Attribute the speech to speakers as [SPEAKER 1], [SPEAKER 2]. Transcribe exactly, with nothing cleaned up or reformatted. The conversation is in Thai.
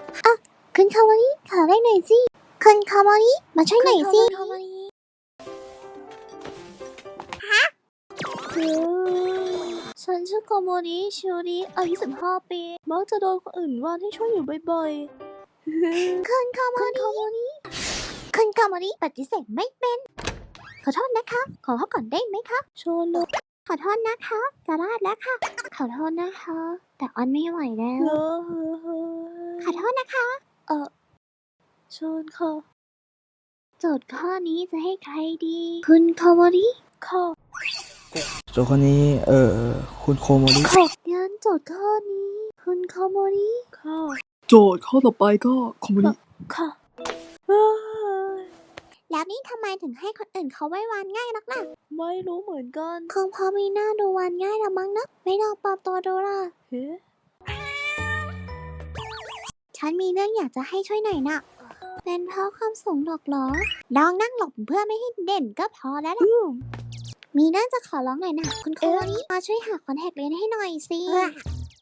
[SPEAKER 1] อ่ะคุณคาวาริขอได้หน่อยสิคุณคาวาริมาช่วยหน่อยสิฮะฉันชื่อโกโมริชิวริอายุสิบห้าปีมักจะโดนคนอื่นว่าให้ช่วยอยู่บ่อยๆคุณคาวาริคุณคาวาริปฏิเสธไม่เป็นขอโทษนะคะขอพักก่อนได้ไหมคะโชว์เลยขอโทษนะคะจะลาดแล้วค่ะขอโทษนะคะแต่ออนไม่ไหวแล้วขอโทษนะคะเออเชิญค่ะโจทย์ข้อนี้จะให้ใครดีคุณคาวาริค่ะ
[SPEAKER 2] โจทย์ข้อนี้เออคุณโคโมริ
[SPEAKER 1] ค่ะงั้นโจทย์ข้อนี้ คุณคาวาริค่ะ
[SPEAKER 2] โจทย์ข้อต่อไปก็โคโมริ
[SPEAKER 1] ค่ะแล้วนี่ทำไมถึงให้คนอื่นเขาไว้วานง่ายนักล่ะไม่รู้เหมือนกันคงเพราะมีหน้าดูวานง่ายละมั้งนะไม่ลองปลอมตัวดูล่ะเฮ้ฉันมีเรื่องอยากจะให้ช่วยหน่อยนะเป็นเพราะความสูงหรอกเหรอลองนั่งหลบเพื่อไม่ให้เด่นก็พอแล้วล่ะมีเรื่องจะขอร้องหน่อยนะคุณครูนี่มาช่วยหาคอนแทคเลนส์ให้หน่อยสิ